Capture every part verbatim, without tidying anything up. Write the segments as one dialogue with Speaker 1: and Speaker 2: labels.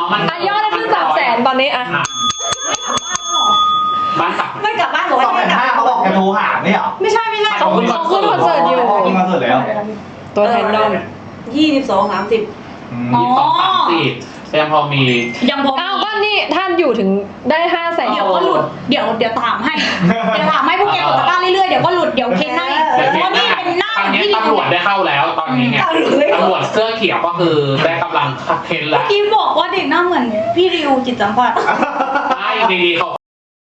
Speaker 1: มัน
Speaker 2: อ่ะยอดได้ขึ้นสามแสนตอนนี้อ่ะ
Speaker 1: บ้านกลับ
Speaker 3: ไม่กลับบ้านหรอ
Speaker 4: สองแสนห้าเขาบอกจะโทรหาไม่เหรอ
Speaker 3: ไม่ใช่ไม่ใช่
Speaker 2: เขาขึ้นเขาขึ้นคอนเสิร์ตอยู่
Speaker 4: ขึ้นคอนเสิร์ตแล้ว
Speaker 2: ตัวแทนดอม
Speaker 3: ยี่สิบสองสามสิบ
Speaker 1: ยี่สิบสองสามสิบยังพอมี
Speaker 3: ยังพอ
Speaker 2: อ้าวก็นี่ท่านอยู่ถึงได้ห้าแสน
Speaker 3: เดี๋ยวก็หลุดเดี๋ยวเดี๋ยวถามให้เดี๋ยวถามให้พวกแกกดตะกร้าเรื่อยๆเดี๋ยวก็หลุดเดี๋ยวเค้นให้เพราะนี่เป็นหน้า
Speaker 1: ตอนนี้
Speaker 3: ที่
Speaker 1: ตำรวจได้เข้าแล้วตอนนี้ไงตำรวจเสื้อเขียวก็คือได้กำลังเค้นแล้ว
Speaker 3: กิมบอกว่าเด็กหน้าเหมือนพี่ริวจิตสัมผัส
Speaker 1: ใช่ดีๆเขา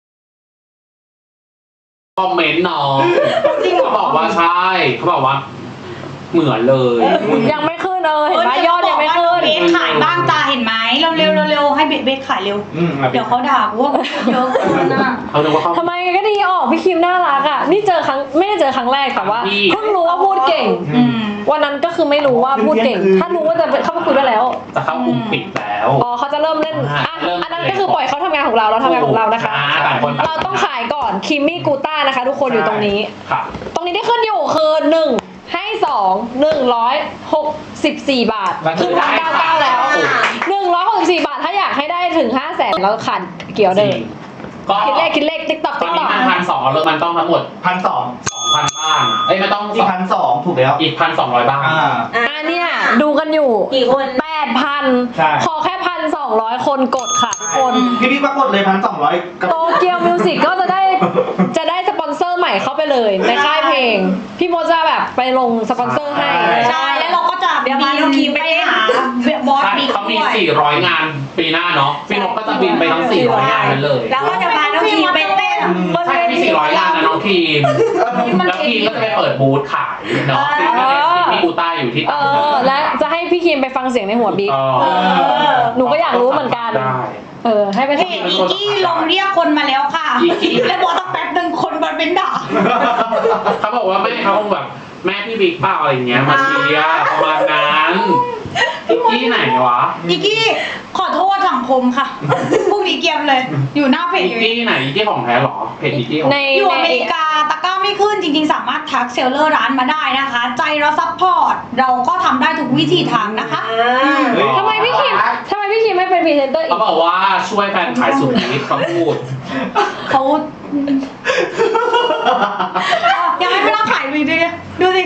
Speaker 1: คอมเมนต์น้องเขาบอกว่าใช่เขาบอกว่าเหมือนเลย
Speaker 2: ยังไม่ขึ้นเลยเห็นไหมยอดยังไม่ขึ้น
Speaker 3: เบสขายบ้างจ้าเห็นไหมเร็วเร็วเร็วให้เบสเบสขายเร็ว
Speaker 4: อืม
Speaker 3: เดี๋ยวเขาด่ากูว่าเยอะเกินนะ
Speaker 1: เขาดูว่าเขา
Speaker 2: ทำไมก็ดีออกพี่คิมน่ารักอ่ะนี่เจอครั้งไม่ได้เจอครั้งแรกแต่ว่า
Speaker 1: พี่
Speaker 2: เพิ่งรู้ว่าพูดเก่ง
Speaker 3: อืม
Speaker 2: วันนั้นก็คือไม่รู้ว่าพูดเก่ง ถ้ารู้ว่าจะเข้าไปคุยด้วยแล้ว
Speaker 1: จะเข้ากลุ่มปิดแล้ว
Speaker 2: อ๋อเขาจะเริ่มเล่นอ่ะ
Speaker 1: เริ่ม
Speaker 2: อันนั้นก็คือปล่อยเขาทำงานของเราเราทำงานของเรานะคะ
Speaker 1: อ่าต่างคนต่าง
Speaker 2: เราต้องขายก่อนคิมมี่กูต้านะคะ ทุกคนอยู่ตรงนี้
Speaker 1: ค่ะ
Speaker 2: ตรงนี้ที่ขึ้นอยู่คือหนึ่งให้สองหนึ่งร้อยหกสิบสี่บาท
Speaker 1: มันคื
Speaker 2: ขึ้
Speaker 1: อน ได้
Speaker 2: มาเก้าเก้าแล้วหนึ่งร้อยหกสิบสี่บาทถ้าอยากให้ได้ถึงห้าแสนแล้วขาดเกี่ยวเดิม
Speaker 1: ก็
Speaker 2: คิดเลขคิดเลขติ๊กต็อก
Speaker 1: ตอ
Speaker 2: ติ๊
Speaker 1: น
Speaker 2: ก
Speaker 1: นี้
Speaker 2: ต็อก
Speaker 1: มันพันสองแล้วมันต้องทั้งหมด
Speaker 4: พันสอง
Speaker 1: สองพันบ้านเอ้ยไม่ต้อง
Speaker 4: อีกพันสองถูกแล้ว
Speaker 1: อีกพันสองร้อยบ้าน
Speaker 4: อ่า
Speaker 2: อ่ะเนี่ยดูกันอยู่
Speaker 3: กี่คน
Speaker 2: แปดพัน
Speaker 4: ใช่
Speaker 2: ขอแค่พันสองร้อยคนกดค่ะทุกคน
Speaker 4: พี่พี่ปรากฏเลยพันสองร้อยกับ
Speaker 2: โตเกียวมิวสิกก็จะได้จะได้สปอนเซอร์ใหม่เข้าไปเลยในค่ายเพลง พี่โมจะแบบไปลงสปอนเซอร์ให้
Speaker 3: ใช่แล้วเราก็จะ
Speaker 5: เดี๋ยวพาน้องคิมไปหา
Speaker 3: บอส
Speaker 1: ใช่
Speaker 3: บิ๊ก
Speaker 1: เขามี
Speaker 3: ด้วย
Speaker 1: สี่ร้อยงานปีหน้าเนาะพี่นกก็จะบินไปทั้งสี่ร้อยงานนั้นเลย
Speaker 5: แล้วก็จะพาน้องคิมไปเต้นบน
Speaker 1: ใช่
Speaker 5: เว
Speaker 1: มี
Speaker 5: ที
Speaker 1: สี่ร้อยงานนะน้องทีมแล้วทีมก็จะไปเปิดบูธขายเนาะที่ที่กูต้าอยู่ที่
Speaker 2: เออและจะให้พี่คิมไปฟังเสียงในหัวบิ๊ก
Speaker 1: เออ
Speaker 2: หนูก็อยากรู้เหมือนกัน
Speaker 1: ได้
Speaker 2: เออให้ไป
Speaker 3: เพจอีกี้ลงเรียกคนมาแล้วค่ะ
Speaker 1: อีกี้
Speaker 3: แล้วบอกตั้งแป๊บหนึ่งคนมันเป็นด่า
Speaker 1: เขาบอกว่าแม่เขาคงแบบแม่พี่บิ๊กเปล่าอะไรอย่างเงี้ยมาเชียร์ประมาณนั้นอีกที่ไหนวะ
Speaker 3: อีกี้ขอโทษสังคมค่ะพรุ่งนี้เกียมเลย อยู่หน้าเพจ
Speaker 1: อีก
Speaker 3: อยู่
Speaker 1: ที่ไหนอีกที่ของแท้หรอเพจอีกที่ของ
Speaker 2: ใน
Speaker 3: อยู่อ
Speaker 2: ใน
Speaker 3: เมริกาตะกร้าไม่ขึ้นจริงๆ สามารถทักเซลเลอร์ร้านมาได้นะคะ ใจเราซัพพอร์ตเราก็ทำได้ทุกวิธีทางนะคะ
Speaker 4: เฮ้ย
Speaker 2: ทำไมพี่คิมทำไมพี่คิมไม่เป็นพรีเซนเตอร์อี
Speaker 1: เขา
Speaker 2: ก
Speaker 1: บอกว่าช่วยแฟนขายสุดฤทธิ์เขาพูด
Speaker 3: เขายังไม่ไปรับขายเลยดิดูสิ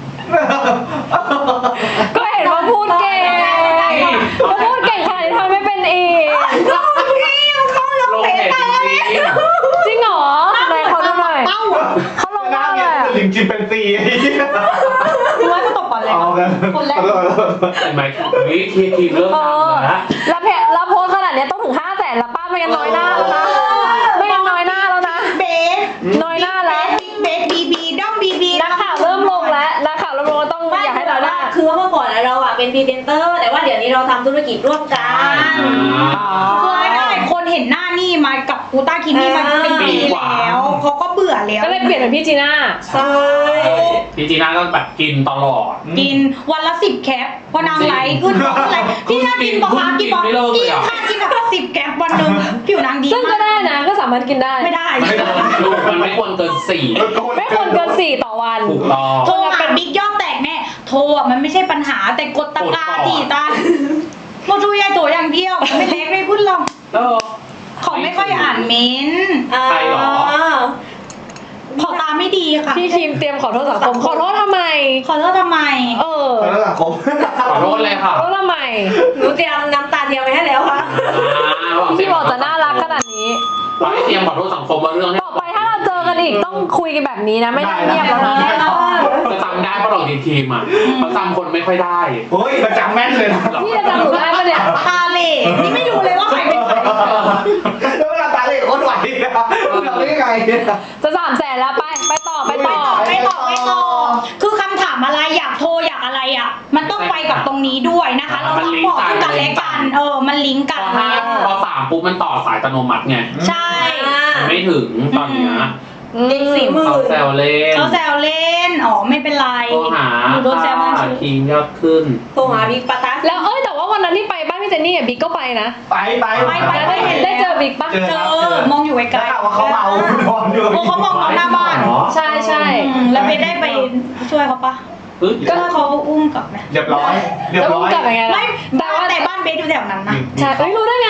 Speaker 2: ก็เห็นว่าพูดเก่งว่าพูดเก่งขนาดนี้ทำไมไม่เป็นอีก
Speaker 1: ลงเพจจริง
Speaker 2: จริงเหรอไหนเขาดูหน่อย
Speaker 3: เต้า
Speaker 2: เขาลง
Speaker 4: หน้า
Speaker 2: ว่า
Speaker 4: เนี่
Speaker 2: อะ
Speaker 4: ย
Speaker 2: ไร
Speaker 4: ลิงจิมเป็นซี
Speaker 3: คุณไว้ก็ตกก่อนเลย
Speaker 4: เอากัน
Speaker 3: คนแรก
Speaker 1: ๆเห็นไหมวิธีทีมเริ่ม
Speaker 2: เอ
Speaker 1: ดัง
Speaker 2: อ
Speaker 1: แล้ว
Speaker 2: แล้วเพจแล้วโพสต์ขนาดนี้ต้องถึงห้าแสนแล้วป้าไม่งั้นน้อยหน้าแล้วนะไม่งั้นน้อยหน้าแล้วนะ
Speaker 3: เบส
Speaker 2: น้อยหน้าแล้ว
Speaker 3: เบสบีบีด้อมบีบี
Speaker 2: นักข่าวเริ่มลงแล้วนักข่าวเริ่มลงแล้วต้องอยากให้น้อยหน้า
Speaker 5: คือเมื่อก่อนเราอ่ะเป็นพรีเซนเตอร์ แต่ว่าเดี๋ยวนี้เราทำธุรกิจร่วมกัน
Speaker 3: คือง่ายๆคนเห็นหน้านี่มากับกูต้าคิมมี่มาเป็นปีแล้วเขาก็เบื่อแล้ว
Speaker 2: ก็เลยเปลี่ยนเป็นพี่จีน่า
Speaker 5: ใช่
Speaker 1: พี่จีน่าก็แบบกินตลอด
Speaker 3: กินวันละสิบแคปพอนางไลฟ์ขึ้นบอกอะไรพี่น่ากินบอกมากินบอก
Speaker 1: ไม่เลิกเล
Speaker 3: กิ
Speaker 1: ย
Speaker 3: น
Speaker 1: อะ
Speaker 3: ข้าวกินแบบสิบแคปวันหนึ่งผิวนางดี
Speaker 2: ซึ่งก็ได้นะก็สามารถกินได้
Speaker 3: ไม่ได้
Speaker 1: ไม่ควรมันไม่ควรเกินสี่
Speaker 2: ไม่ควรเกินสี่ต่อวัน
Speaker 1: ถูกต้อง
Speaker 3: โทรหาบิ๊กยอดแตกแน่โทรอ่ะมันไม่ใช่ปัญหาแต่กดตะกร้าที่ตาโมจูยายตัวอย่างเดียวไม่เล็กไม่พูดหรอก
Speaker 1: เออ
Speaker 3: เขาไม่ค่อยอ่านเม้นต์
Speaker 1: ใครเหรอ
Speaker 3: ขอตาไม่ดีค่ะ
Speaker 2: พี่คิมเตรียมขอโทษสังคมขอโทษทำไม
Speaker 3: ขอโทษทำไม
Speaker 2: เออ
Speaker 4: ขอโทษสังคม
Speaker 1: ขอโทษเลยค่ะ
Speaker 2: ขอโทษทำไม
Speaker 5: หนูเตรียมน้ำตาเทียมไว้ให้แล้วค่ะ
Speaker 2: พี่บอกจะน่ารักขนาดนี้
Speaker 1: เราให้เตรียมขอโทษสังคมมาเรื่องนี้
Speaker 2: ต่อไปถ้าเราเจอกันอีกต้องคุยกันแบบนี้นะ ไม่ได้เงียบแล้วนะ
Speaker 1: จะจำได้เพราะเราดีทีมอ่ะเขาจำคนไม่ค่อยได้
Speaker 4: โอ้ยประจำแม่นเลยนะ
Speaker 2: พี่จะจำหนูได้ปะเนี่ย
Speaker 3: ตาเหล่นี่ไม่รู้เลยว่าใครเป็นใคร
Speaker 4: แล้วเวลาตาเหล่โคตรไหวนะเราได้ยังไงเนี่ย
Speaker 2: จะสามแสนแล้วไปไปต่อไปต่อ
Speaker 3: ไม่ตอบไม่ตอบคือคำถามอะไรอยากโทรอยากอะไรอ่ะ มันต้องไปกับตรงนี้ด้วยนะคะ เราต้องบอกซึ่งกันและกัน เออ มันลิงก์
Speaker 1: พ
Speaker 3: กัน
Speaker 1: อห้าพอสามปุ๊บมันต่อสายอัตโนมัติไง
Speaker 3: ใช่
Speaker 1: มันไม่ถึงตอนเนี้ย
Speaker 5: เด็กสี่หมื่
Speaker 1: เขา
Speaker 5: น
Speaker 1: แซวเล่น
Speaker 3: เขาแซวเล่น อ๋อ ไม่เป็นไร
Speaker 1: โทรหา
Speaker 3: หนูโดนแซวมัน
Speaker 1: ค่าทีมยอดขึ้น
Speaker 5: โทรหาบิ๊กปะตา
Speaker 2: แล้วเอ้ยแต่ว่าวันนั้นที่ไปบ้านพี่เจนนี่กับบิ๊กก็ไปนะ
Speaker 4: ไปไป
Speaker 2: แล้วได้เห็นได้เจอบิ๊กปะ
Speaker 4: เจอ
Speaker 3: เจ
Speaker 4: ครับ
Speaker 3: อ
Speaker 4: เจอ
Speaker 3: มองอยู่ไกล
Speaker 4: แล้วข่าวว่าเขาเมานอนอยู่
Speaker 3: โอ้เขามองเราหน้าบ้าน
Speaker 2: ใช่ใช่
Speaker 3: อืมแล้วไปได้ไปช่วยเขาปะ
Speaker 1: ปึ๊บ
Speaker 3: ก็เขาอุ้มกลับไหม
Speaker 4: เรียบร้อยเรียบ
Speaker 2: แล้ว
Speaker 4: ร้
Speaker 2: มึ
Speaker 4: อง ย
Speaker 2: กลับยังไง
Speaker 3: ไม่
Speaker 2: ล่ะแต่ว่า
Speaker 3: แต่บ้านเบสอยู่แถวนั้นนะ
Speaker 2: ใช่เอ้ยรู้ได้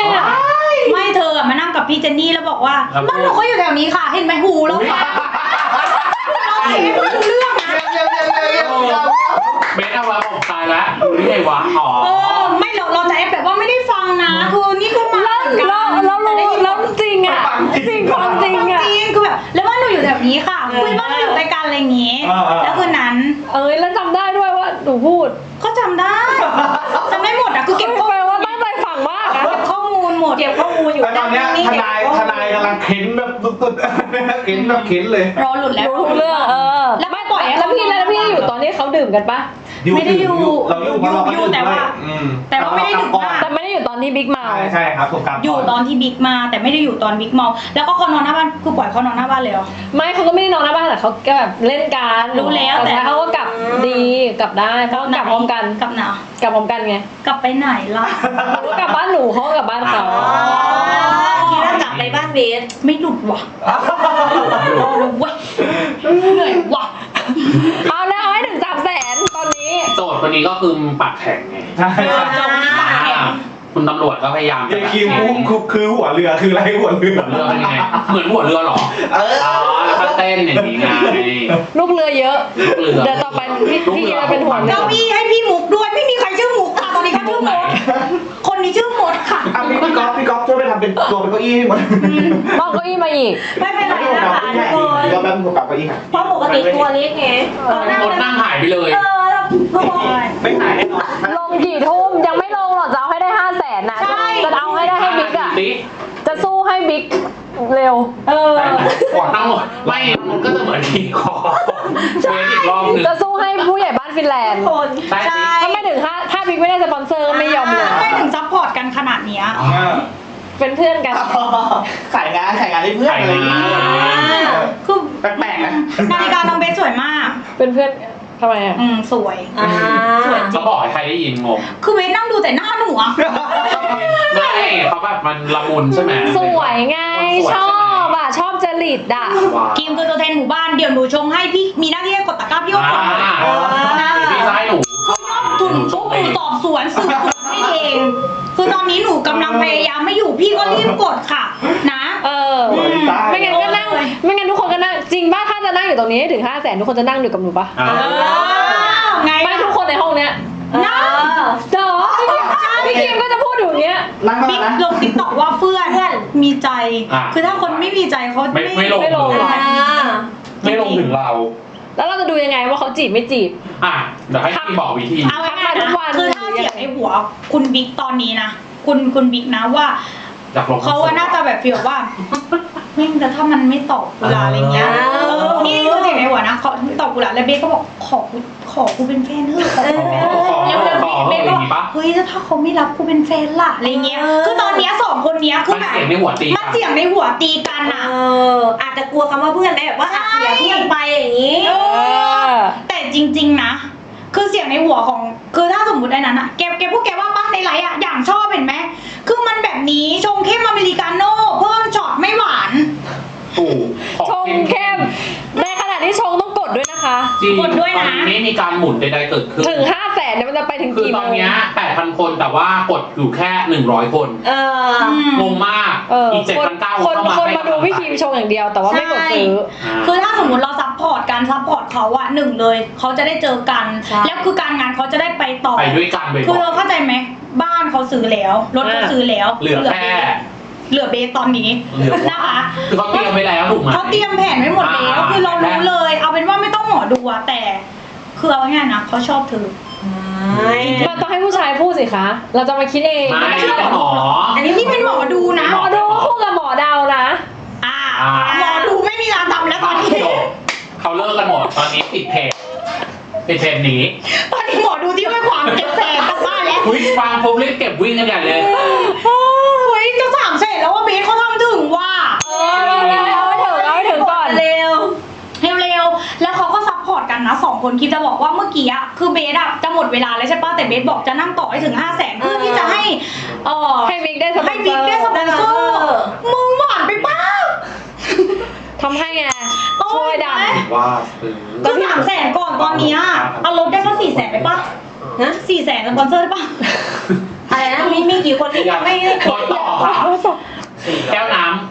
Speaker 3: กับพี่เจนนี่แล้วบอกว่า
Speaker 1: ครับ
Speaker 3: บ้านหนูก็อยู่แถวนี้ค่ะ เห็นไหมหูเราค่ะเราเห็นไม่รู้เรื่องนะ
Speaker 4: เยี่ยมเยี่ยมเยี่ยมเยี่ยมเยี่ยม
Speaker 1: เบสเอาไว้บอกตายแล้วดูนี่ไงวะอ๋อ
Speaker 3: เออไม่เราเราจะแอบแบบว่าไม่ได้ฟังนะคือนี่ก็มา
Speaker 2: แล้ว
Speaker 3: เหมือนกัน
Speaker 2: แล้วแล้วรู้แล้วจริงอ่ะจริงความจริงอ่ะ
Speaker 3: จริงคือแบบแล้วบ้านหนูอยู่แถวนี้ค่ะคุยบ้านหนูอยู่ใกล้กันอะไรอย่างงี้ แล้วคืนนั้น
Speaker 2: เอ้ยแล้วจำได้ด้วยว่าหนูพูด
Speaker 3: ก็จำได้จำได้หมดอะคือเก็บข้อ
Speaker 2: แปล
Speaker 3: มูล
Speaker 2: ว่าตั้งใจฟังมากอะ
Speaker 3: เก็บข้อมูลหมด
Speaker 5: เก็บข้อมูลอยู่
Speaker 4: แต่ตอนเนี้ยทนายทนายกำลังเข็นแบบสุดๆเข็นแบบเข็นเลย
Speaker 3: รอหลุดแล้ว
Speaker 2: รู้ทุกเรื่องเออ
Speaker 3: แล้วไม่ปล่อยให้
Speaker 2: แล้วพี่
Speaker 3: เขา
Speaker 2: แล้วพี่อยู่ตอนที่เขาดื่มกันปะ
Speaker 3: ไม่ได้อยู่
Speaker 4: เราอยู่เพราะเราก็
Speaker 3: อยู่แต่ว่า
Speaker 4: อืม
Speaker 3: แต่ว่าไม่ได้ดึกมาก
Speaker 2: แต่ไม่ได้อยู่ตอนที่บิ๊กเมา
Speaker 4: ใช่ใช่ครับถูกกลับ
Speaker 3: อยู่ตอนที่บิ๊กมาแต่ไม่ได้อยู่ตอนบิ๊กเมาแล้วก็เขานอนหน้าบ้านคือปล่อยเขานอนหน้าบ้านเลยเหรอ
Speaker 2: ไม่เขาก็ไม่ได้นอนหน้าบ้านแต่เขาก็แบบเล่นกัน
Speaker 3: รู้แล้วแต่
Speaker 2: เขาก็กลับดีกลับได้เพราะกลับพร้อมกัน
Speaker 3: กลับไหน
Speaker 2: กลับพร้อมกันไง
Speaker 3: กลับไปไหนล่ะ
Speaker 2: หนูกลับบ้านหนูเขาก็กลับบ้านเขา
Speaker 5: อ๋อคิดว่ากลับไปบ้านเบส
Speaker 3: ไม่หลุดว่ะรอเลยเว้ยเหนื่อยว่ะ
Speaker 2: เอาแล้วเอาให้ถึงสามแสนตอนนี้
Speaker 1: โจทย์คนนี้ก็คือปากแข็งไง
Speaker 4: ใช่
Speaker 3: เจอคนนี้ปากแข็ง
Speaker 1: คุณตำรวจก็พยายาม
Speaker 4: เยคิมคือคือหัวเรือคืออะไรหัวเรือ
Speaker 1: หัวเรือเป็นยังไงเหมือนหัวเรือเหรอ
Speaker 4: เออ
Speaker 1: อ๋อแล้วก็เต้นอย่างนี้ไง
Speaker 2: ลูกเรือเยอะ
Speaker 1: ลูกเรือ
Speaker 2: เดี๋ยวต่อไปพี่พี่จะเป็นหัวเรือ
Speaker 3: เก้าอี้ให้พี่มุกด้วยไม่มีใครชื่อมุกค่ะตอนนี้เขาชื่อมดคนนี้ชื่อมดค่ะ
Speaker 4: อ่ะพี่พี่ก๊อฟพี่ก๊อฟช่วยไปทำเป็นตัวเป็นเก้าอี้ให้หมด
Speaker 2: ต้องเก้าอี้มาอีก
Speaker 5: ไม่เป็นไรนะคะทุกคน
Speaker 4: เราแบบหัวกับเก้าอี้ค่ะ
Speaker 5: เพราะปกติตัวเล็กไง
Speaker 1: รถนั่งหายไปเลย
Speaker 5: เออแล้วทุกคน
Speaker 4: ไม่หายแน่นอน
Speaker 2: ลงกี่ทุ่มยังไม่ลงหรอกจะเอาให้ได้ห้าแสนนะ
Speaker 3: ใช่
Speaker 2: จะเอาให้ได้ให้บิ๊กอะ
Speaker 1: บิ๊ก
Speaker 2: จะสู้ให้บิ๊กเร็ว
Speaker 3: เออ
Speaker 1: ทั้งหมดไม่มันก็จะเหมือนทีคอเวทอีกรอบหนึ่ง
Speaker 2: จะสู้ให้ผู้ใหญ่บ้านฟินแลนด์
Speaker 5: คน
Speaker 1: ได้
Speaker 3: ใช่
Speaker 1: สิ
Speaker 2: ถ้าไม่ถึงถ้าถ้าบิ๊กไม่ได้สปอนเซอร์ก็ไม่ยอมเลย
Speaker 3: ทำไมถึงซัพพอร์ตกันขนาดเนี้ย
Speaker 2: เป็นเพื่อนกัน
Speaker 4: ขายงานขายงานให้เพื่อนอะไรอย่างเงี้ย
Speaker 3: คือ
Speaker 4: แปลกๆนะ
Speaker 3: นาฬิกาน้องเบสสวยมาก
Speaker 2: เป็นเพื่อนทำไมอะ
Speaker 3: อืมสวย
Speaker 5: อ่า
Speaker 1: เขาบอกให้ใครได้ยินงง
Speaker 3: คือเบสนั่งดูแต่หน้าหนูอะ
Speaker 1: ไม่เขาแบบมันละมุนใช่ไหม
Speaker 2: สวยไงชอบอะชอบจริตอะ
Speaker 1: ว้าว
Speaker 3: กิมคือตัวแทนหมู่บ้านเดี๋ยวหนูชงให้พี่มีหน้าที่ให้กดตะกร้าพี่ก็กด
Speaker 1: อ่า
Speaker 3: นะ
Speaker 1: พี่จะให้หนู
Speaker 3: ถุนปุ๊บหนูตอบสวนสืบสวนให้เอง คือตอนนี้หนูกำลังพยายามไม่อยู่พี่ก็รีบกดค่ะ นะ
Speaker 2: เออ
Speaker 4: สวยตาย
Speaker 2: ไม่งั้นก็นั่งไม่งั้นทุกคนก็นั่งจริงป่ะถ้าจะนั่งอยู่ตรงนี้ให้ถึงห้าแสนทุกคนจะนั่งอยู่กับหนูป่ะ
Speaker 1: อ่า
Speaker 3: เออไง
Speaker 2: ไม่ทุกคนในห้องเนี้ย
Speaker 3: นะ
Speaker 2: เดี๋ยวพี่คิมก็จะพูดอยู่อย่างเงี้ย
Speaker 4: นั่งเข้า
Speaker 3: บิ๊
Speaker 4: มาก นะ
Speaker 3: ลงติ๊กต็อกว่าเพื่อนมีใจ คือถ้าคนไม่มีใจเขา
Speaker 1: ไม่ไม่ลง
Speaker 2: ไม่ลงหรอ
Speaker 5: อ่า
Speaker 1: ไม่ลงถึงเรา
Speaker 2: แล้วเราจะดูยังไงว่าเขาจีบไม่จีบ
Speaker 1: อ่ะเดี๋ยวให้พี่บอกวิธี
Speaker 3: เอาง่ายๆ
Speaker 2: ทุ
Speaker 3: นะ
Speaker 2: กวัน
Speaker 3: คือถ้าเสียงในหัวคุณบิ๊กตอนนี้นะคุณคุณบิ๊กนะว่า
Speaker 1: อยากลง
Speaker 3: เขาว่าน่าจะแบบฟีลว่าแม่งแต่ถ้ามันไม่ตอบกูละอะไรเงี้ย
Speaker 5: อ่า
Speaker 3: เออนี่คือเสียงในหัวนะเขาไม่ตอบกูละแล้วเบสก็บอกขอกูขอกูเป็นแฟนเถอะขอกูเป็นแฟน
Speaker 1: ขอ
Speaker 3: แล้วแล้ว
Speaker 1: ขอ
Speaker 3: เบส
Speaker 1: อ
Speaker 3: ก็
Speaker 1: ย่างนี้ปะ
Speaker 3: เฮ้ยแล้วถ้าเขาไม่รับกูเป็นแฟนล่ะอะไรเงี้ย
Speaker 5: เออ
Speaker 3: คือตอนเนี้ยสองคนเนี้ยคือ
Speaker 1: มัน
Speaker 3: แบบ
Speaker 1: เสียงในหัวตี
Speaker 3: มันเสียงในหัวตีกัน
Speaker 5: เอ
Speaker 3: อะ
Speaker 5: ออาจจะกลัวคำว่าเพื่อนได้แบบว่าอ่ะเสียเพื่อนไปอย่างนี้
Speaker 3: เอ
Speaker 2: เอ
Speaker 3: อ
Speaker 2: อ
Speaker 3: แต่จริง ๆนะ คือเสียงในหัวของ คือถ้าสมมติไอ้นั้นอะแกแกพูดแกว่าป้าในไลฟ์อะอย่างชอบเห็นไหม คือมันแบบนี้ชงเข้มอเมริกาโน่เพิ่มช็อตไม่หวาน
Speaker 1: ถูกของ
Speaker 2: ชงเข้มในขณะที่ชงต้องกดด้วยนะคะ
Speaker 1: จริง
Speaker 3: กดด้วยนะ
Speaker 1: ตอนนี้ไม่มีการหมุนใดๆเกิดขึ้น
Speaker 2: ถึงห้าแสนเนี่ยมันจะไปถึง
Speaker 1: คือ
Speaker 2: กี่
Speaker 1: ต
Speaker 2: โม
Speaker 1: อน
Speaker 2: ง
Speaker 1: เนี้ยแปดพันคนแต่ว่ากดอยู่แค่หนึ่งร้อยคน
Speaker 5: เออ
Speaker 3: อืม
Speaker 1: งงมาก
Speaker 2: เออ
Speaker 1: อีกเจ็ด
Speaker 2: คน
Speaker 1: พันเก้า
Speaker 2: คนคนมาดูพี่คิมชงอย่างเดียวแต่ว่าไม่กดซื้อ
Speaker 3: คือถ้าสมมติเราซัพพอร์ตการซัพพอร์ตเขาอะหนึ่งเลย เขาจะได้เจอกัน
Speaker 5: ใช่
Speaker 3: แล้วคือการงานเขาจะได้ไปต่อ
Speaker 1: ไปด้วยกันไป
Speaker 3: คือเราเข้าใจไหมบ้านเขาซื้อแล้วรถเขาซื้อแล้ว
Speaker 1: เหลือแค่
Speaker 3: เหลือเบสตอนนี้
Speaker 1: เหลือ
Speaker 3: นะคะ
Speaker 1: คือเขาเตรียมไว้แล้วถูกไหม
Speaker 3: เขาเตรียมแผนไว้หมดแล้ว
Speaker 1: อ่า
Speaker 3: คือเรารู้เลย เอาเป็นว่าไม่ต้องหมอดูอะแต่ คือเอาง่ายๆนะเขาชอบเธอ
Speaker 5: ไม่
Speaker 2: มันต้องให้ผู้ชายพูดสิคะ เราจะมาคิดเอง
Speaker 1: ไม่เป็นหมอ
Speaker 3: อันนี้นี่เป็นหมอดูนะ
Speaker 2: หมอดูคู่กับหมอเดานะ
Speaker 3: อ่า
Speaker 1: อ่า
Speaker 3: หมอดูไม่มีงานทำแล้วตอนนี้
Speaker 1: จบเขาเลิกกันหมดตอนนี้ปิดเพจปิดเพจหนี
Speaker 3: ตอนนี้หมอดูที่ไม่ขวางเก็บแสนกลับบ้านแล้ว
Speaker 1: อุ้ยฟังปุ๊บรีบเก็บวิ่งกันใหญ่เลย
Speaker 3: เฮ้ยจะสามเสร็จแล้วว่าเบสเขาทำถึงว่า
Speaker 2: เออเอาให้ถึงเอาให้ถึงก่อน
Speaker 5: เร็ว
Speaker 3: เร็วๆแล้วเขาก็ซัพพอร์ตกันนะสองคนคิดจะบอกว่าเมื่อกี้อะคือเบสอะจะหมดเวลาแล้วใช่ป่ะแต่เบสบอกจะนั่งต่อให้ถึงห้าแสนเพื่อที่จะให้เออ
Speaker 2: ให้บิ๊กได้สปอ
Speaker 3: ให้
Speaker 2: นเซ
Speaker 3: บิ๊
Speaker 2: อก
Speaker 3: ได้ส
Speaker 2: ร์
Speaker 3: ปอนเซอร์มึงหวานไปป้า
Speaker 2: ทำให้ไง
Speaker 3: โอ้
Speaker 2: ช่วยดัน
Speaker 1: ว่าซื้อ
Speaker 3: คือสามแสนก่อนตอนเนี้ยเอาลดได้ก็สี่แสนได้ป่ะ
Speaker 5: ฮะ
Speaker 3: สี่แสนสปอนเซอร์ได้ป่ะ
Speaker 5: อะไรนะมีมีกี่คนที่ยังไม่ได้
Speaker 1: กดต่อค่ะแก้วน้ำ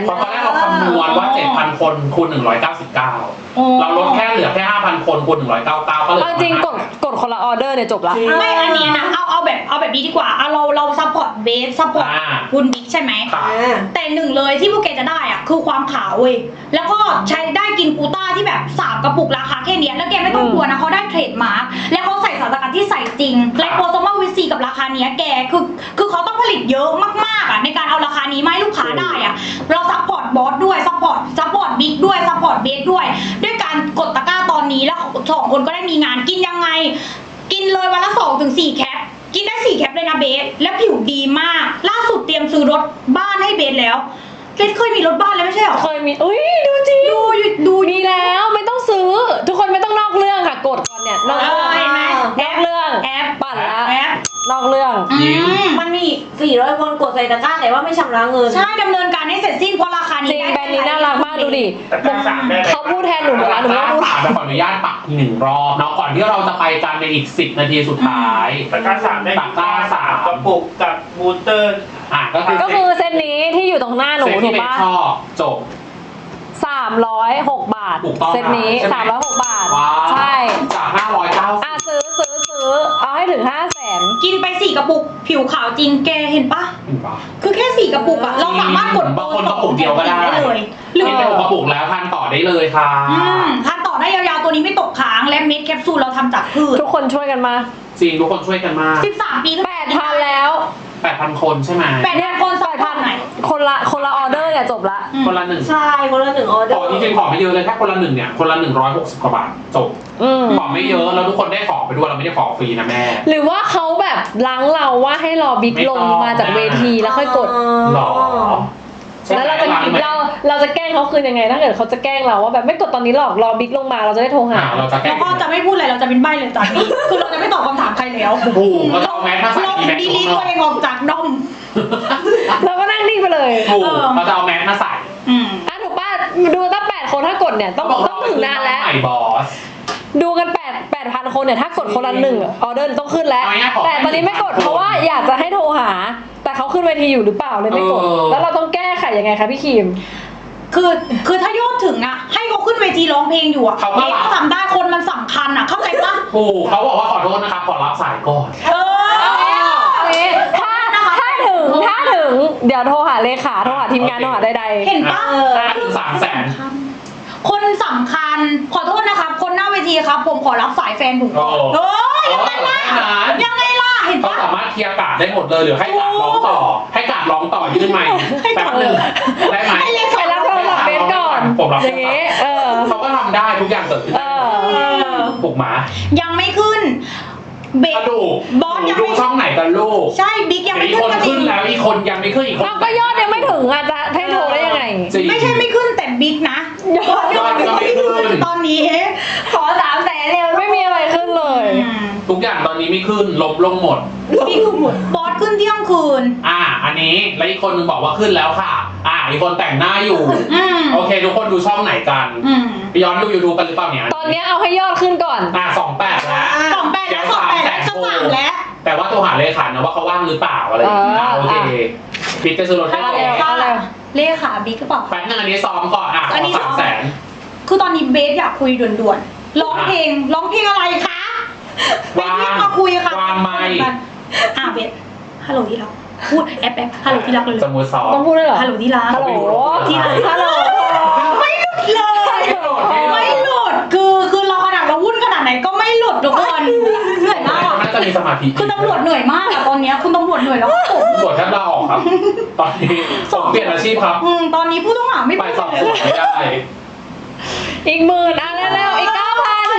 Speaker 2: น
Speaker 1: เพราะตอนแรกเราคำนวณว่า เจ็ดพัน คนคูณหนึ่งร้อยเก้าสิบเก้า
Speaker 3: โอ้
Speaker 1: เราลดแค่เหลือแค่ ห้าพัน คนคูณหนึ่งร้อยเก้าสิบเก้าก็เหลือ
Speaker 2: เอาจริงกดกดคนละออเดอร์เนี่ยจบละ
Speaker 3: ไม่อันเนี้ยนะเอาเอาแบบเอาแบบนี้ดีกว่าเอาเราเราซัพพอร์ตเบสซัพพอร์ต
Speaker 1: อ่า
Speaker 3: คุณบิ๊กใช่ไหม
Speaker 1: ค่ะ
Speaker 3: แต่หนึ่งเลยที่พวกแกจะได้อะคือความขาวเว้ยแล้วก็ใช้ได้กินกูต้าที่แบบสามกระปุกราคาแค่เนี้ยแล้วแกไม่ต้องกลัวนะเขาได้เทรดมาร์คแล้วเขาใส่สารสกัดที่ใส่จริงไลโปโซมาวิซีกับราคาเนี้ยแกคือคือเขาต้องผลิตเยอะมากๆอะในการเอาราคานี้มาให้ลูกค้าได้อะเราซัพพอร์ตบอสด้วยซัพพอร์ตซัพพอร์ตบิ๊กด้วยซัพพอร์ตเบสด้วยด้วยการกดตะกร้าตอนนี้แล้วสองคนก็ได้มีงานกินยังไง กินเลยวันละสองถึงสี่แคปกินได้สี่แคปเลยนะเบสและผิวดีมากล่าสุดเตรียมซื้อรถบ้านให้เบสแล้วเบสเคยมีรถบ้านแล้วไม่ใช่หรอ
Speaker 2: เคยมีอุ้ยดูจริง
Speaker 3: ดูอยู่ดู
Speaker 2: มีแล้วไม่ต้องซื้อ ทุกคนไม่ต้องนอกเรื่องค่ะกดก่อนเนี่ยนอกเรื่อง
Speaker 3: เห็นไหม
Speaker 2: นอกเรื่อง
Speaker 3: แอป
Speaker 2: ปั่นละ
Speaker 3: แอป
Speaker 2: นอกเรื่อง
Speaker 3: อืม
Speaker 5: มันมีสี่ร้อยคนกดใส่ตะกร้าแต่ว่าไม่ชำระเงิน
Speaker 3: ใช่ดำเนินการให้เสร็จสิ้นเพราะราคา
Speaker 2: จ
Speaker 3: นี้
Speaker 2: ริงแบรนด์นี้น่ารักมากดูดิ
Speaker 4: แต่กล้าสามได้ไหม
Speaker 2: เขาพูดแทนหนูหมดแล้วหนูไม่ต้องพูด
Speaker 1: สามจะขออนุญาตปักอีกหนึ่งรอบเนาะก่อนที่เราจะไปกันในอีกสิบนาทีสุดท้าย
Speaker 4: ตะกร้าสามได้
Speaker 1: ตะกร้าสาม
Speaker 4: กระปุกกับบูสเตอร์
Speaker 1: อ่ะก็คือ
Speaker 2: ก็คือเซตนี้ที่อยู่ตรงหน้าหนู
Speaker 1: เซ็ต
Speaker 2: ถู
Speaker 1: ที่
Speaker 2: ก
Speaker 1: เป็น
Speaker 2: ปะ
Speaker 1: ชอบจบ
Speaker 2: สามร้อยหกบาท
Speaker 1: ถูกต้อง
Speaker 2: เซตนี้
Speaker 1: ใช่ไหม
Speaker 2: สามร้อยหกบาท
Speaker 1: ว้าว
Speaker 2: ใช่
Speaker 1: จากห้าร้อยเก้าสิบ
Speaker 2: อ่ะซื้อซื้อซื้อเอาให้ถึงห้าแสน
Speaker 3: กินไปสี่กระปุกผิวขาวจริงแกเห็นปะ
Speaker 1: เห็นปะ
Speaker 3: คือแค่สี่กระปุกอะเราสามารถกด
Speaker 1: บางคนกระปุกเดียวก็ได้
Speaker 3: เลยห
Speaker 1: ห
Speaker 3: รื
Speaker 1: รือ อเป็นกระปุกแล้วทานต่อได้เลยค่ะ
Speaker 3: อืมทานต่อได้ยาวๆตัวนี้ไม่ตกค้างและเม็ดแคปซูลเราทำจากพืช
Speaker 2: ทุกคนช่วยกันมา
Speaker 1: จริงทุกคนช่วยกันมาก
Speaker 3: สิบสามปีขึ้น
Speaker 2: แปดพันแล้ว
Speaker 1: แปดพันคนใช่ไหม
Speaker 3: แปดพันคนสั
Speaker 2: แป
Speaker 3: ก
Speaker 2: ด
Speaker 3: พั
Speaker 2: พั
Speaker 3: น
Speaker 2: น
Speaker 3: ไหน
Speaker 2: คนละคนละออเดอร์เนี่ยจบละ
Speaker 1: คนละหนึ่ง
Speaker 5: ใช่คนละหนึ่งออเดอ
Speaker 1: ขอ
Speaker 5: ร์
Speaker 1: จริงๆขอไม่เยอะเลยแค่คนละหนึ่งเนี่ยคนละหนึ่งร้อยหกสิบกว่าบาทจบ
Speaker 2: อืม
Speaker 1: ขอไม่เยอะแล้วทุกคนได้ของไปด้วยเราไม่ได้ของฟรีนะแม่
Speaker 2: หรือว่าเขาแบบล้างเราว่าให้รอบิ๊ก
Speaker 1: ไม่
Speaker 2: ล
Speaker 1: ต้อง
Speaker 2: งมาจากเวทีแล้วค่อยกด
Speaker 1: หรอใช่ไหม
Speaker 2: แล้วเราจะ
Speaker 1: ร้นไหม
Speaker 2: เราเราจะแกล้งเขาคืนยังไงถ้าเกิดเขาจะแกล้งเราว่าแบบไม่กดตอนนี้หรอกรอบิ๊กลงมาเราจะได้โทรหา
Speaker 1: อ่าเราจะแก้
Speaker 3: แล้วก็จะไม่พูดอะไรเราจะเป็นใบ้เลยจากนี้ คือเราจะไม่ตอบคำถามใครแล้ว
Speaker 1: ถูกเราจะเอาแมสมาใส่
Speaker 3: เรา
Speaker 1: อีแมส
Speaker 3: ดี
Speaker 1: ข้าง
Speaker 3: ลี
Speaker 1: น
Speaker 3: ตั
Speaker 1: อ
Speaker 3: ว
Speaker 1: ก
Speaker 3: เองออกจากดอม
Speaker 2: เราก็นั่งนิ่งไปเลย
Speaker 1: ถูก
Speaker 3: เออ
Speaker 1: เราจะเอาแมสมาใส่
Speaker 3: อืม
Speaker 2: อ่ะถูกป่ะดูตั้งแปดคนถ้ากดเนี่ยต้องต้องถึงนานแล้ว
Speaker 1: ใหม่บอส
Speaker 2: ดูกันแปดแปดพันคนเนี่ยถ้ากดคนละหนึ่งออเดอร์ต้องขึ้นแล้ว
Speaker 1: เอาง่ายๆขอ
Speaker 2: แต่ตอนนี้ไม่กด
Speaker 1: ให้หนึ่งพัน
Speaker 2: เพราะว่าอยากจะให้โทรหา แต่เขาขึ้นเวทีอยู่หรือเปล่าเลยไม่กด
Speaker 1: เออ
Speaker 2: แล้วเราต้องแก้ไขยังไงคะพี่คิม
Speaker 3: คือคือถ้ายอดถึงอะให้เขาขึ้นเวทีร้องเพลงอยู่อะ
Speaker 1: เขาก็
Speaker 3: เด็ก
Speaker 1: รับ
Speaker 3: ก็ทำได้คนมันสำคัญอะเข้าใจปะ
Speaker 1: ถูกเขาบอกว่าขอโทษนะคะขอรับสายก่อน
Speaker 3: เออ
Speaker 2: เอางี้ถ้าถ้าถึงถ้าถึงเดี๋ยวโทรหาเลขาโทรหาทีมงานโทรหาใดๆ
Speaker 3: เห็นปะ
Speaker 1: ถ้าถึงสามแสน
Speaker 3: คนสำคัญขอโทษนะครับ คนหน้าเวทีครับ ผมขอรับสายแฟนผมก่อน
Speaker 1: โอ้
Speaker 3: เฮ้ยยังไงล่ะ
Speaker 1: โอ้ยแบบนั้น
Speaker 3: ยังไงล่ะเห็น
Speaker 1: เขา
Speaker 3: ปะ
Speaker 1: สามารถเคลียร์การ์ดได้หมดเลยหรือให้การ์ดร้องต่อ ให้การ์ดร้องต่อยื่นใหม่แป๊บนึงได้ไหม
Speaker 3: ให้เล
Speaker 2: ไป
Speaker 3: ขา
Speaker 2: รับโทรศัพท์เบสก่อน
Speaker 1: ผมรับ
Speaker 2: อย่างงี้เออ
Speaker 1: เขาก็ทำได้ทุกอย่างเกิดขึ้น
Speaker 2: เออ
Speaker 1: ถูกหมา
Speaker 3: ยังไม่ขึ้น เบ
Speaker 1: ก
Speaker 3: ส
Speaker 1: ระดูก
Speaker 3: บอสยัง
Speaker 1: ดู
Speaker 3: ไม่
Speaker 1: ช่องไหนกันลูก
Speaker 3: ใช่บิ๊กยังไม่
Speaker 1: อีก
Speaker 3: ขึ้
Speaker 1: คน น
Speaker 3: จริ
Speaker 1: ขึ้
Speaker 3: ง
Speaker 1: นแล้วอีกคนยังไม่ขึ้นอีกคน
Speaker 2: เราก็ยอดยังไม่ถึงอ่ะจะให้โทรได้ยังไง
Speaker 1: จริง
Speaker 3: ไม่ใช่ไม่ขึ้นแต่บิ๊กนะ
Speaker 2: ยอด
Speaker 3: ยอดยังไม่ขึ้นตอนนี้
Speaker 5: ขอสามแสนเร็ว
Speaker 2: ไม่มีอะไรขึ้นเลย
Speaker 3: อืม
Speaker 1: ทุกอย่างตอนนี้ไม่ขึ้นลบลงหมด
Speaker 3: บิ๊กบอสขึ้นเที่ยงคืน
Speaker 1: อ่า อันนี้แล้วอีกคนนึงบอกว่าขึ้นแล้วค่ะ อ่า อีกคนแต่งหน้าอยู่
Speaker 3: อืม
Speaker 1: โอเค ทุกคนดูช่องไหนกัน
Speaker 3: อืม
Speaker 1: ไปย้อนดู YouTube กันหรือเปล่าเนี่ย
Speaker 2: ตอนนี้เอาให้ยอดขึ้นก่อน
Speaker 1: อ่าสองแปดแล้ว
Speaker 3: สองแปดแล้วสองแปดแล้วจะสามแล้ว
Speaker 1: แต่ว่าตัวหาเลขานะว่าเขาว่างหรือเปล่าอะไรอย่างเงี้ย
Speaker 2: เออ
Speaker 1: โอเคบิ๊กจะซื้อรถให้
Speaker 2: เอา
Speaker 1: ก่
Speaker 2: เร็ว
Speaker 1: อน
Speaker 2: เอาเร็ว
Speaker 3: เลขาบิ๊กหรือเปล่า
Speaker 1: แป๊บนึงอันนี้ซ้อมก่อน อ่ะข
Speaker 3: อัน
Speaker 1: อ
Speaker 3: นี้ซ้
Speaker 1: สา
Speaker 3: อ
Speaker 1: ม
Speaker 3: ม
Speaker 1: แสน
Speaker 3: คือตอนนี้เบสอยากคุยด่วนๆร้องเพลงร้องเพลงอะไรคะเบส
Speaker 1: วาง
Speaker 3: รีบมาคุยค่ะ
Speaker 1: วางไมค์
Speaker 3: อ่ะเบสฮัลโหลที่รักพูดแอปแอปฮัลโหลที่รักเลย
Speaker 1: สมมติซ้อม
Speaker 2: ต้องพูดด้วยเหรอ
Speaker 3: ฮัลโหลที่รัก
Speaker 2: ฮัลโหล
Speaker 3: ที่รัก
Speaker 2: ฮัลโหล
Speaker 3: ไม่หลุดเลยไม่หลุดคือคือเราขนาดเราวุ่นขนาดไหนก็ไม่หลุดทุกคนเหนื่อยมาก
Speaker 1: น่าจะมีสมาธิ
Speaker 3: คือตำรวจเหนื่อยมากอะตอนเนี้ยคุณตำรวจเหนื่อยแล้วผม
Speaker 1: ตำรวจแทบลาออกครับ ตอนนี้สองเปลี่ยนอาชีพครับ
Speaker 3: อืมตอนนี้ผู้ต้องหาไม่
Speaker 1: ไป
Speaker 3: พูด
Speaker 1: สอบ
Speaker 3: เล
Speaker 1: สวน
Speaker 3: ย
Speaker 1: ไม่ได้
Speaker 2: อีกหมื่นอ่ะเร็วๆอีกเก้าพัน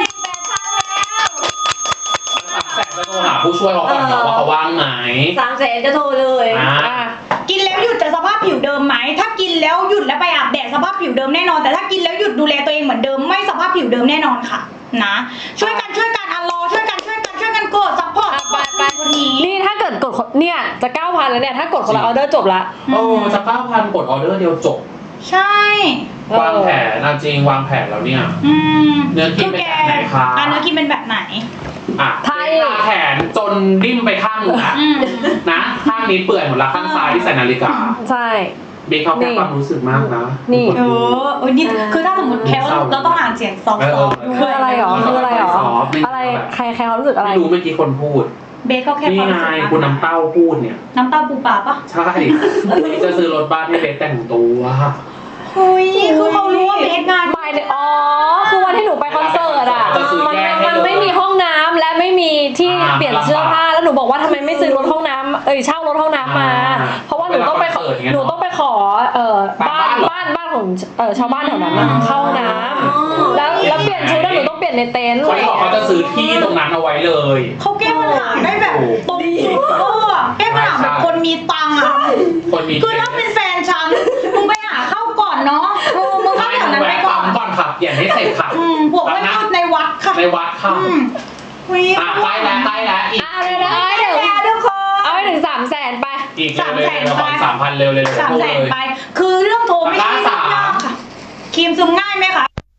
Speaker 1: แสนจะโทรหาผู้ช่วยเขาก่อนเนาะว่าเขาว่างไหม
Speaker 5: สามแสนจะโทรเลย
Speaker 1: อ่า
Speaker 2: อ่ะ
Speaker 3: กินแล้วหยุดจะสภาพผิวเดิมไหมถ้ากินแล้วหยุดแล้วไปอาบแดดสภาพผิวเดิมแน่นอน แต่ถ้ากินแล้วหยุดดูแลตัวเองเหมือนเดิมไม่สภาพผิวเดิมแน่นอนค่ะนะช่วยกันช่วยกันอันรอช่วยกันช่วยกันช่วยกันกดซัพพอร์ต
Speaker 2: อ่ะไปไป
Speaker 3: คนนี้
Speaker 2: นี่ถ้าเกิดกดคนเนี่ยจะเก้าพันแล้วเนี่ยถ้ากดคนละออเดอร์จบละ
Speaker 1: โอ้จะเก้าพันกดออเดอร์เดียวจบ
Speaker 3: ใช่
Speaker 2: เออ
Speaker 1: วางแผนนะจริงวางแผนแล้วเนี่ย
Speaker 3: อืม
Speaker 1: เนื้อกินเป็นแบบไหนคะ
Speaker 3: อ่ะเนื้อกินเป็นแบบไหน
Speaker 1: อ่ะ
Speaker 2: ไทย
Speaker 1: ทาแขนจนดิ้มไปข้างหนึงนะ
Speaker 3: อืม
Speaker 1: นะข้างนี้เปื่อยหมดละข้างซ้ายที่ใส่นาฬิกา
Speaker 2: ใช่
Speaker 1: เบคเขาแค่ความรู้สึกมากนะ
Speaker 2: นี่
Speaker 3: เออเออนี่คือถ้าสมมติแคลเราต้องอ่านเสียงซอฟต์ๆด้วย
Speaker 2: คืออะไรหรอคืออะไรหรอ
Speaker 1: ซอฟต์ไม่
Speaker 2: อะไรใครใครเขารู้สึกอะไร
Speaker 1: ไม่รู้เมื่อกี้คนพูด
Speaker 3: เบสก็แค่
Speaker 1: นี่
Speaker 3: ความ
Speaker 1: ไง
Speaker 3: รู้สึก
Speaker 1: คุณน้ำเต้าพูดเนี่ย
Speaker 3: น้ำเต้าปูปลาปะ
Speaker 1: ใช่นี่จะซื้อรถบ้านให้เบคแต่งตัว
Speaker 3: เฮ้ยคือเขารู้ว่าเบสงาน
Speaker 2: หมายถึงอ๋อ คือวันที่หนูไปคอนเสิร์ตอ่ะ
Speaker 1: จะซื้อ
Speaker 2: มัน
Speaker 1: แยกให้
Speaker 2: มัน
Speaker 1: เลย
Speaker 2: ไม่มีห้องน้ำและไม่มีที่
Speaker 1: อ่า
Speaker 2: เปลี่ยนเสื้อผ้า แล้วหนูบอกว่าทำไมไม่ซื้อรถห้องน้ำเอ้ยเช่ารถห้องน้ำมา
Speaker 1: อ่า
Speaker 2: เพราะว่าหนูต้องไปขอ
Speaker 1: เวลาคอนเสิร์ตอย่างเงี้ย
Speaker 2: หนูต้องไปขอเอ่อ
Speaker 1: บ้า
Speaker 2: บ้าน น
Speaker 1: เหรอ
Speaker 2: บ้านบ้านของเอ่อชาวบ้านแถวนั้นน่ะเข้าห้องน้ำแล้วแล้วเปลี่ยนชุดแล้วหนูต้องเปลี่ยนในเต็นท์
Speaker 1: เขาบอกเขาจะซื้อที่ตรงนั้นเอาไว้เลย
Speaker 3: เขาแก้ปัญหาได้แบบตรงเออแก้ปัญหาแบบคนมีตังค์อ่ะ
Speaker 1: คนมี
Speaker 3: คือถ้าเป็นแฟนฉันมึงไปหาเข้าก่อนเนาะเออมึงเข้า
Speaker 1: ไม่
Speaker 3: แถวนั้นไป
Speaker 1: แวะ
Speaker 3: ก่อ
Speaker 1: ปั๊
Speaker 3: น
Speaker 1: มก่อนค่ะเปลี่ยนให้เสร็จค่ะ
Speaker 3: อืมพวกไม่เข้าในวัดค่ะ
Speaker 1: ในวัดค่ะ
Speaker 3: อืมอุ๊ย
Speaker 1: อ่ะใกล้แล้วใกล้แล้วอีก
Speaker 2: อ่ะเดี๋ยวเอาให้ถึง
Speaker 3: แล้วทุกคน
Speaker 2: เอาให้ถึงสามแสนไป
Speaker 1: อีกเร็วเลยละครสามพันเร็วเลย
Speaker 3: สามแสนไป คือเรื่องโทรไม่ใช่
Speaker 1: ตะกร้า
Speaker 3: เรื่อง
Speaker 1: สาม
Speaker 3: ยากค่ะครีมซึมง่ายไหมคะ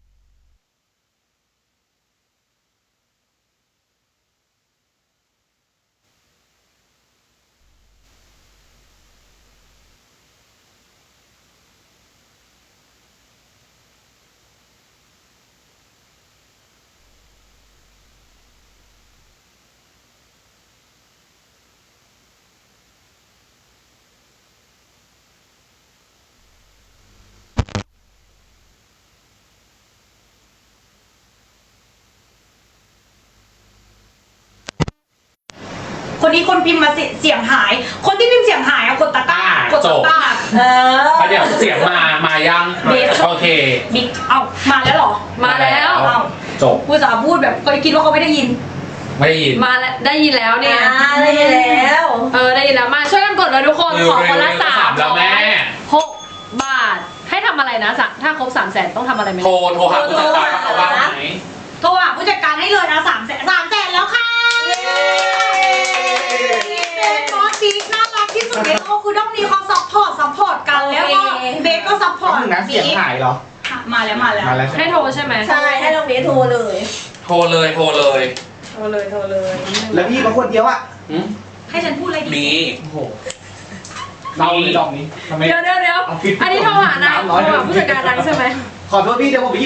Speaker 3: คนนี้คนพิมพ์มาเสียเสียงหาย คนที่พิมพ์เสียงหายอะกดตะกร้ากดตะกร้าเออ
Speaker 1: เดี๋ยวเสียงมามายัง
Speaker 3: เบส
Speaker 1: โอเค
Speaker 3: บิ๊กเอ้ามาแล้วเหรอ
Speaker 2: มาแล้ว
Speaker 3: เอ้า
Speaker 1: จบ
Speaker 3: พูดสาพูดแบบเคยคิดว่าเขาไม่ได้ยิน
Speaker 1: ไม่ได้ยิน
Speaker 2: มาแล้วได้ยินแล้วเนี่ย
Speaker 5: อ่าได้แล้ว
Speaker 2: เออได้ยินแล้วมาช่วยกันกดเลยทุกคนขอคนละสาม
Speaker 1: แล้วแม่
Speaker 2: หกบาทให้ทำอะไรนะสะถ้าครบสามแสนต้องทำอะไรไหม
Speaker 1: โทรโทรหาผู้จัดการเขาบ้างไหม
Speaker 3: โทรหาผู้จัดการให้เลยนะสามแสนสามแสนแล้วค่ะเป็นบอสบิ๊กน่ารักที่สุดในโลกคือต้องมีเขาซัพพอร์ตซัพพอร์ตกันแล้วก็เบสก็ซัพพอร์ต
Speaker 4: นึงนะเสียงหายเหรอ
Speaker 3: ค่ะมาแล้วมาแล้ว
Speaker 4: มาแล้วใช่ไหม
Speaker 2: ให้โทรใช่ไหม
Speaker 5: ใช่ให้น้องเบสโทรเลย
Speaker 1: โทรเลยโทรเลย
Speaker 2: โทรเลยโทรเลย
Speaker 4: แล้วพี่มาคนเดียวอ่ะ
Speaker 1: หืม
Speaker 3: ให้ฉันพูดอะไรดี
Speaker 1: มี
Speaker 4: โอ้โหเราเลยดอกนี้ทำไม
Speaker 2: เดี๋ยวเดี๋ยวเดี๋ยว
Speaker 4: เอาผิด
Speaker 2: อันนี้โทรหานายโทรหาผู้จัดการนายใช่ไหม
Speaker 4: ขอโทษพี่เดี๋ยวผมไป